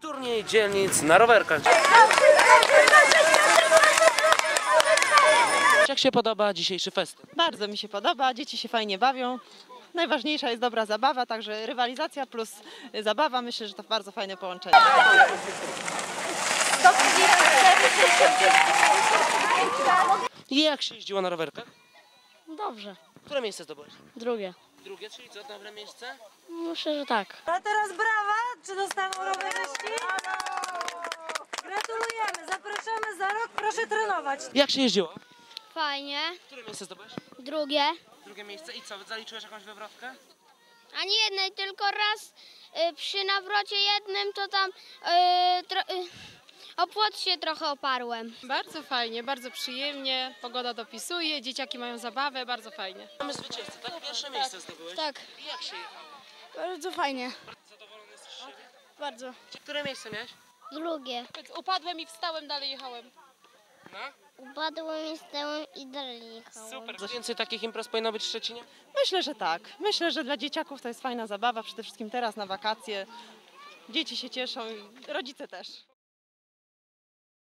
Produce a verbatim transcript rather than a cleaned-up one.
Turniej dzielnic na rowerkach. Jak się podoba dzisiejszy festyn? Bardzo mi się podoba, dzieci się fajnie bawią. Najważniejsza jest dobra zabawa, także rywalizacja plus zabawa. Myślę, że to bardzo fajne połączenie. I jak się jeździło na rowerkach? Dobrze. Które miejsce zdobyłeś? Drugie. Drugie, czyli co, dobre miejsce? Myślę, że tak. A teraz brawa! Czy dostaną rowerzyści? Gratulujemy! Zapraszamy za rok, proszę trenować. Jak się jeździło? Fajnie. Które miejsce zdobyłeś? Drugie. Drugie miejsce i co, zaliczyłeś jakąś wywrotkę? Ani jednej, tylko raz y, przy nawrocie jednym to tam y, tro, y, o płot się trochę oparłem. Bardzo fajnie, bardzo przyjemnie, pogoda dopisuje, dzieciaki mają zabawę, bardzo fajnie. Mamy zwycięzcę, tak? Pierwsze miejsce zdobyłeś? Tak. I jak się jechało? Bardzo fajnie. Zadowolony jesteś z siebie? Bardzo. Które miejsce miałeś? Drugie. Upadłem i wstałem, dalej jechałem. No? Upadłem i stałem i dalej jechałem. Super. Więcej takich imprez powinno być w Szczecinie? Myślę, że tak. Myślę, że dla dzieciaków to jest fajna zabawa, przede wszystkim teraz na wakacje. Dzieci się cieszą i rodzice też.